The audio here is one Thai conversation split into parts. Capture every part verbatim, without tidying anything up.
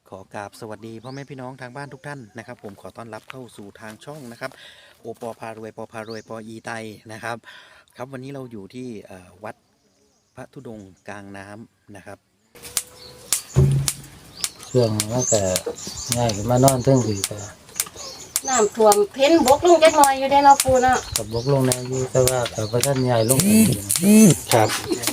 ขอกราบสวัสดีพ่อแม่พี่น้องทางบ้านทุกท่านนะครับผมขอต้อนรับเข้าสู่ทางช่องนะครับโอปอพารวยปอพารวยปออีไตนะครับครับวันนี้เราอยู่ที่วัดพระธุดงค์กลางน้ำนะครับช่วงมันก็ง่ายมานอนเทิงผีก็น้ำท่วมเพ้นบกลงจักหน่อยอยู่ได้เนาะปูเนาะกับบกลงในอยู่แต่ว่ากับพระท่านใหญ่ลงครับ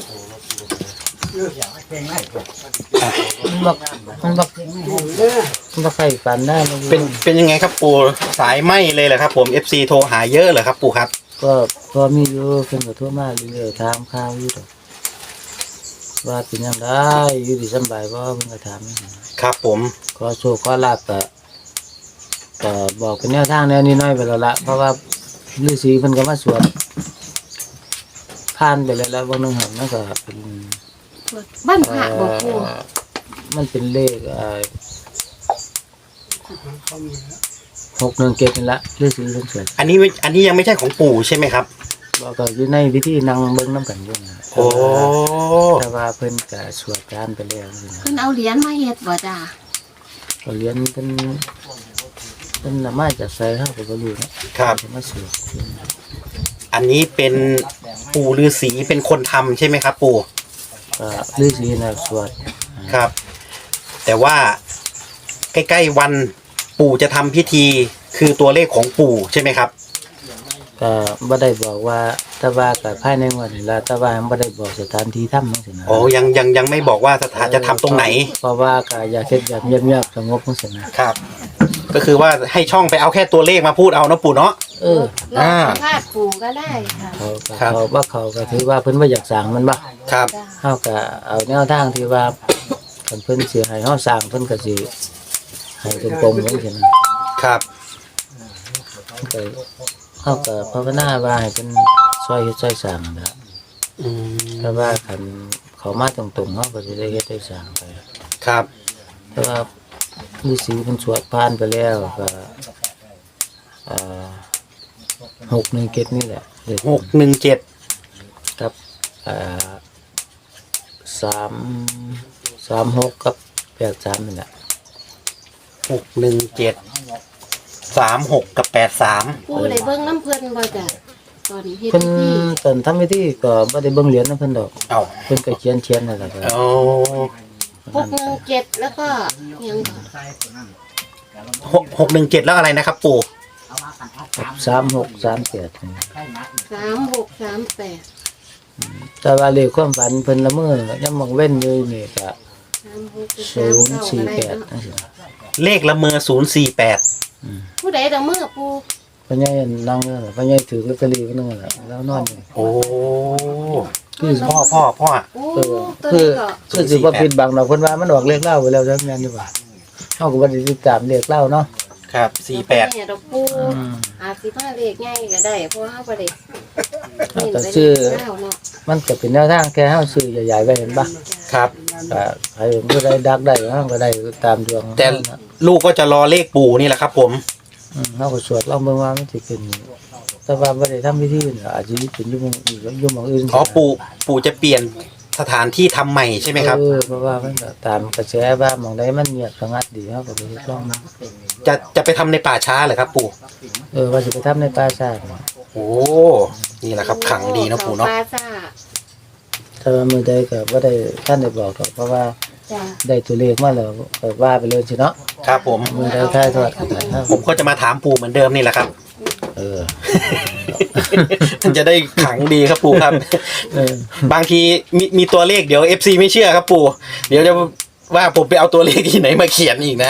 มันบักมันบักมันบักไข่ปันได้เป็นเป็นยังไงครับปู่สายไหมเลยเหรอครับผม เอฟ ซี โทรหาเยอะเหรอครับปู่ครับก็พอมีอยู่เป็นกระทั่วมากเรื่อยๆถามข้าวอยู่ดอกว่าเป็นยังไงอยู่ดีสบายบ่เพิ่นก็ถามครับผมขอโชคขอลาภก็ก็บอกเป็นแนวทางแนวนี้น้อยไปแล้วละเพราะว่าฤาษีเพิ่นก็มาสวดผ่านไปแล้วแล้ววันนึงหันมันก็เป็นบ้านพระบ่ปูมันเป็นเลขเอ่อหกหนึ่งเจ็ดนี่ละฤาษีเพิ่นสวดอันนี้อันนี้ยังไม่ใช่ของปู่ใช่ไหมครับบอกก็อยู่ในวิธีนั่งเบิ่งน้ำกันอยู่นะโอ้แต่ว่าเพิ่นก็สวดการไปแล้วเพิ่นเอาเหรียญมาเฮ็ดบ่จ้าก็เหรียญเพิ่นเพิ่นน่ะมาจากไสเฮาก็บ่รู้นะครับมาสวดอันนี้เป็นปู่ฤาษีเป็นคนทำใช่ไหมครับปู่ก็ฤาษีน่ะสวดครับแต่ว่าใกล้ๆวันปู่จะทำพิธีคือตัวเลขของปู่ใช่ไหมครับก็บ่ได้บอกว่าแต่ว่าก็ภายในวันนี้ล่ะแต่ว่าบ่ได้บอกสถานที่ทำจังซี่นะอ๋อยังยังยังไม่บอกว่าสถานจะทำตรงไหนเพราะว่าก็อยากเฮ็ดแบบเงียบๆสงบจังซี่นะครับก็คือว่าให้ช่องไปเอาแค่ตัวเลขมาพูดเอานะปู่เนาะเอออ่าพาดปู่ก็ได้ค่ะเขาเขาว่าเขาก็ถือว่าเพิ่นบ่อยากสร้างมันบ่ครับเฮาก็เอาแนวทางที่ว่าคันเพิ่นสิให้เฮาสร้างเพิ่นก็สิให้ตรงๆจังซี่นะครับก็เฮาก็ภาวนาว่าให้เพิ่นช่วยเฮ็ดช่วยสร้างนั่นล่ะอืมแต่ว่าคันเขามาตรงๆเฮาก็สิได้เฮ็ดได้สร้างไปครับแต่ว่าฤาษีเพิ่นสวดผ่านไปแล้วก็อ่าหกหนึ่งเจ็ดนี่แหละหกหนึ่งเจ็ดกับอ่าสามสามหกกับแปดสามนี่แหละหกหนึ่งเจ็ดสามหกกับแปดสามปู่ได้เบิ่งน้ำเพิ่นบ่จ้ะตอนเฮ็ดเพิ่นพิธีตอนทำพิธีก็บ่ได้เบิ่งเหรียญนำเพิ่นดอกเอ้าเพิ่นก็เขียนเขียนนั่นแหละครับโอ้หกหนึ่งเจ็ดแล้วก็ยังหกหกหนึ่งเจ็ดแล้วอะไรนะครับปู่สามหกสามแปดสามหกสามแปดแต่ว่าเลขความฝันเพิ่นละเมอยังมองเว้นอยู่นี่ก็ศูนย์สี่แปดจังซี่เลขละเมอศูนย์สี่แปดผู้ใดละเมอปู่พ่อใหญ่นั่งเด้อพ่อใหญ่ถือลอตเตอรี่ไว้นึงล่ะแล้วนอนอยู่โอ้คือพ่อพ่อพ่อเออคือคือสิบ่ผิดบังดอกเพิ่นว่ามันออกเลขเล่าไปแล้วจังแม่นอยู่ว่าเฮาก็บ่ได้ติดตามเลขเล่าเนาะครับสี่แปดเนี่ยดอกปู่อาจสิมาเลขใหญ่ก็ได้เพราะเฮาบ่ได้ก็ชื่อมันก็เป็นแนวทางแค่เฮาซื้อใหญ่ๆไว้เห็นบ่ครับก็ใครผู้ใดดักได้เฮาก็ได้ตามดวงแต่ลูกก็จะรอเลขปู่นี่แหละครับผมอืมเฮาก็สวดลองเบิ่งว่ามันสิเป็นแต่ว่าบ่ได้ทำพิธีน่ะอาจสิเป็นอยู่หม้องอื่นอยู่หม้องอื่นอ๋อปู่ปู่จะเปลี่ยนสถานที่ทำใหม่ใช่ไหมครับเออเพราะว่ามันก็ตามกระแสว่าหม้องใดมันเงียบสงัดดีเฮาก็ไปลองจะจะไปทำในป่าช้าเหรอครับปู่เออว่าสิไปทำในป่าช้าโอ้นี่แหละครับขังดีนะปู่เนาะป่าช้าถ้าว่ามื้อใดก็บ่ได้ท่านได้บอกหรอกเพราะว่าได้ตัวเลขมาแล้วก็ว่าไปเลยสิเนาะครับผมมื้อใดถ่ายทอดก็ได้ผมก็จะมาถามปู่เหมือนเดิมนี่แหละครับเออมันจะได้ขังดีครับปู่ครับบางทีมีมีตัวเลขเดี๋ยว เอฟ ซี ไม่เชื่อครับปู่เดี๋ยวจะว่าผมไปเอาตัวเลขที่ไหนมาเขียนอีกนะ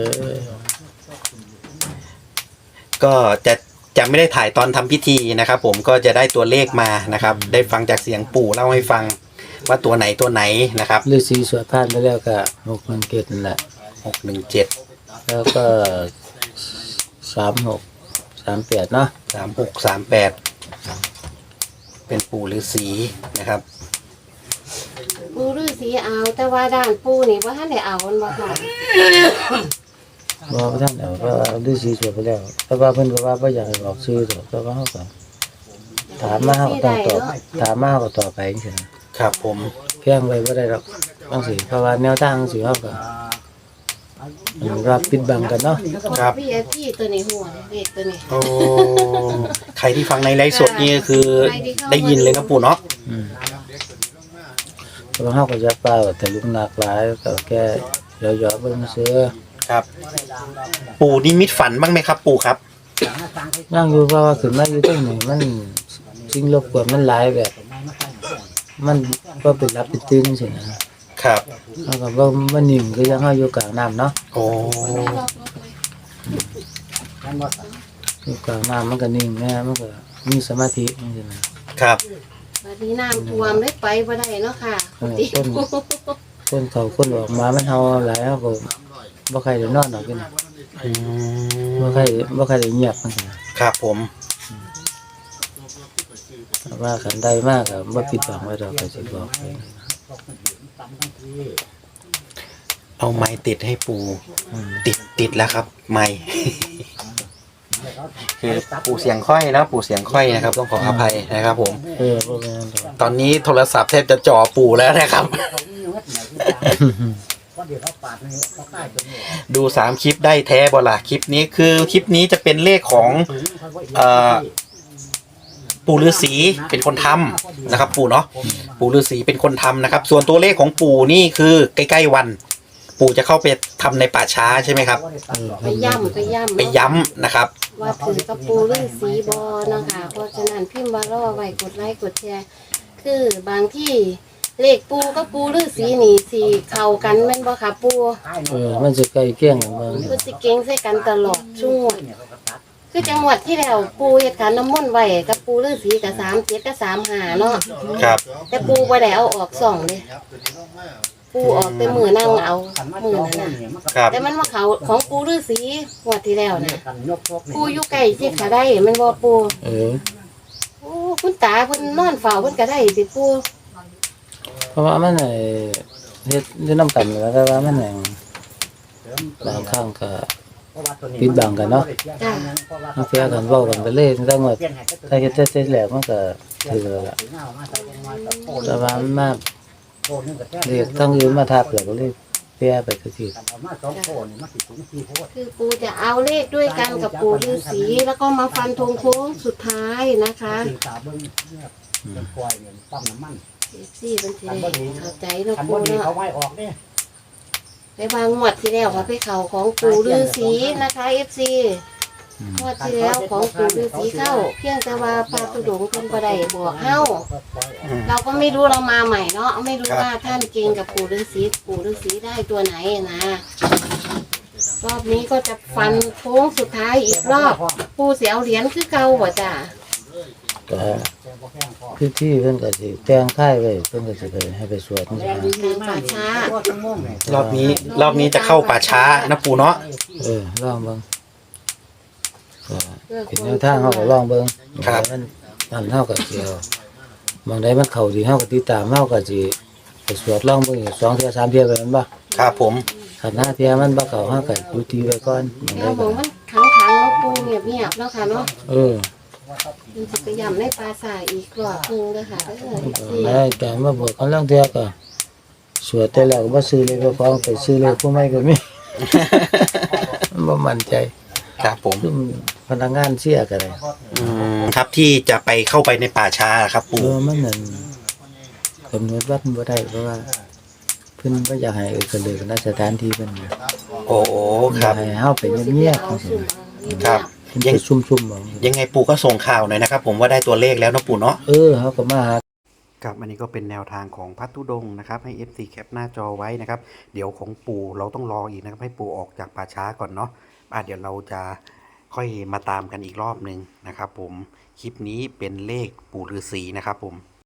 ก็จะจะไม่ได้ถ่ายตอนทำพิธีนะครับผมก็จะได้ตัวเลขมานะครับได้ฟังจากเสียงปู่เล่าให้ฟังว่าตัวไหนตัวไหนนะครับฤาษีสวดผ่านไปแล้วก็หกหนึ่งเจ็ดนั่นแหละหกหนึ่งเจ็ดแล้วก็สามหกสามแปดเนาะสามหกสามแปดเป็นปู่ฤาษีนะครับปู่ฤาษีเอาแต่ว่าด้านปู่นี่ว่าท่านได้เอามันบ่ค่ะบ่ท่านเอาเพราะว่าฤาษีสวดไปแล้วแต่ว่าเพิ่นก็ว่าบ่อยากให้บอกชื่อดอกแต่ว่าเฮาก็ถามมาเฮาก็ต้องตอบถามมาเฮาก็ตอบไปจังซี่ครับผมเพียงไว้บ่ได้ดอกจังซี่เพราะว่าแนวทางสิเฮาก็อันนี้ว่าปิดบังกันเนาะครับวี ไอ พี ตัวนี้หัวเลขตัวนี้โอ้ใครที่ฟังในไลฟ์สดนี่คือได้ยินเลยนะปู่เนาะอืมเพราะว่าเฮาก็จะเปล่าแต่ลุงหนักหลายก็แค่ย่อๆเบิ่งซื่อครับ ปู่นิมิตฝันบ้างไหมครับปู่ครับนั่งอยู่เพราะว่าขึ้นมาอยู่ตรงนี้มันสิ่งรบกวนมันหลายแบบ มันบ่เป็นรับเป็นตื่นจังซี่นะครับ เฮาก็บ่บ่นิ่งคือยังเฮาอยู่กลางน้ำเนาะโอ้อยู่กลางน้ำมันก็นิ่งแน่มันก็มีสมาธิจังซี่นะครับบัดนี้น้ำท่วมได้ไปบ่ได้เนาะค่ะเออคน คนเขาคนออกมามันเฮาหลายเฮาก็บ่ใครได้นอนดอกอยู่นะอืมบ่ใครบ่ใครได้เงียบจังซี่นะครับผมแต่ว่าคันใดมากก็บ่ปิดบังไว้ดอกก็สิบอกไปเอาไม้ติดให้ปู่อืมติดติดแล้วครับ ไม้ คือปู่เสียงค่อยนะปู่เสียงค่อยนะครับต้องขออภัยนะครับ ผมเออบ่แม่นดอกตอนนี้โทรศัพท์แทบจะจ่อปู่แล้วนะครับ ดูสามคลิปได้แท้บ่ล่ะคลิปนี้คือคลิปนี้จะเป็นเลขของเอ่อปู่ฤาษีเป็นคนทำนะครับ ปู่เนาะปู่ฤาษีเป็นคนทำนะครับ ส่วนตัวเลขของปู่นี่คือใกล้ๆวัน ปู่จะเข้าไปทำในป่าช้าใช่ไหมครับเออไปย่ำไปย่ำไปย้ำนะครับว่าถือกระปูฤาษีบอเนาะค่ะเพราะฉะนั้นพิมพ์ว่ารอไว้กดไลค์กดแชร์คือบางที่เลขปูกับปูฤาษีนี่สิเข้ากันแม่นบ่ค่ะปูเออมันสิใกล้เคียงกันเบิ่งคือสิเก่งใส่กันตลอดช่วงคือจังหวัดที่แล้วปูเฮ็ดขันน้ำมนต์ไว้กับปูฤาษีกับสามเจ็ดกับสามห้าเนาะครับแต่ปูบ่ได้เอาออกสองเลยปูออกแต่มือนั่งเอามือนั่นน่ะครับแต่มันมาเขาของปูฤาษีงวดที่แล้วน่ะปูอยู่ใกล้สิขาได้แมันบ่ปูเออโอ้คุณตาเพิ่นนอนเฝ้าเพิ่นก็ได้สิปูเพราะว่ามันไอ้เฮ็ดอยู่นำกันแล้วแต่ว่ามันหยังบางครั้งก็ปิดบังกันเนาะจ้าบางเทื่อกันเว้ากันไปเลยแต่ว่าถ้าเฮ็ดเสร็จแล้วมันก็ถือแล้วล่ะแต่ว่ามันมาเรียกทั้งอื่นมาทับแล้วก็เลยเปียไปคือสิคือปูจะเอาเลขด้วยกันกับปูฤาษีแล้วก็มาฟันธงโค้งสุดท้ายนะคะเอฟซีเป็นสิได้เข้าใจเนาะปูเนาะไปวางงวดที่แล้วค่ะไปเขาของปูฤาษีนะคะเอฟซีงวดที่แล้วของปูฤาษีเข้า เพียงแต่ว่าพระตุดงค์เพิ่นบ่ได้บอกเฮาอืมเราก็ไม่รู้เรามาใหม่เนาะไม่รู้ว่าท่านเก่งกับปู่ฤาษีปู่ฤาษีได้ตัวไหนนะรอบนี้ก็จะฟันโค้งสุดท้ายอีกรอบปู่เสียเอาเหรียญคือเก่าบ่จ้ะก็พิธีเพิ่นก็สิแต่งค่ายไว้เพิ่นก็สิไปให้ไปสวดจังซี่นะทางป่าช้ารอบนี้รอบนี้จะเข้าป่าช้านะปู่เนาะเออลองเบิ่งก็เป็นแนวทางเฮาก็ลองเบิ่งมันนั่นเฮาก็สิเอาบางใดมันเข้าดีเฮาก็ติดตามเฮาก็สิไปสวดลองเบิ่งอีกสองเทื่อสามเทื่อไปแม่นบ่ครับผมคันห้าเทื่อมันบ่เข้าเฮาก็อยู่ที่ไว้ก่อนบางใดแล้วบก็อกมันขังขังๆแล้วปู่เงียบเงียบๆแล้วค่ะเนาะเออมันจะไปย่ำในปราสาทอีกรอบหนึงเด้อค่ะเด้อสิได้แต่มาบอกกันลางเทื่อก็สวดแต่แล้วก็บ่ซื้อเลยก็ฟ้องไปซื้อเลยผู้ใหม่ก็มี มันบ่มั่นใจครับผมซุมพนักงานเสียก็ได้อืมครับที่จะไปเข้าไปในป่าช้าครับเอปู่อมันนั่นกำหนดวัดบ่ได้เพราะว่าเพิ่นบ่อยากให้เอิ้นกันเลยกันสถานที่เพิ่นน่ะโอ้โหครับให้เฮาไปเงียบๆจังซี่ครับเพิ่นไปซุ่มๆเอายังไงปู่ก็ส่งข่าวหน่อยนะครับ ผมว่าได้ตัวเลขแล้วนะปู่เนาะเออเฮาก็มาหาครับอันนี้ก็เป็นแนวทางของพัทธุดงค์นะครับให้ เอฟ ซี แคปหน้าจอไว้นะครับ เดี๋ยวของปู่เราต้องรออีกนะครับให้ปู่ออกจากป่าช้าก่อนเนาะอ่ะเดี๋ยวเราจะค่อยมาตามกันอีกรอบหนึ่งนะครับ ผมคลิปนี้เป็นเลขปู่ฤาษีนะครับผม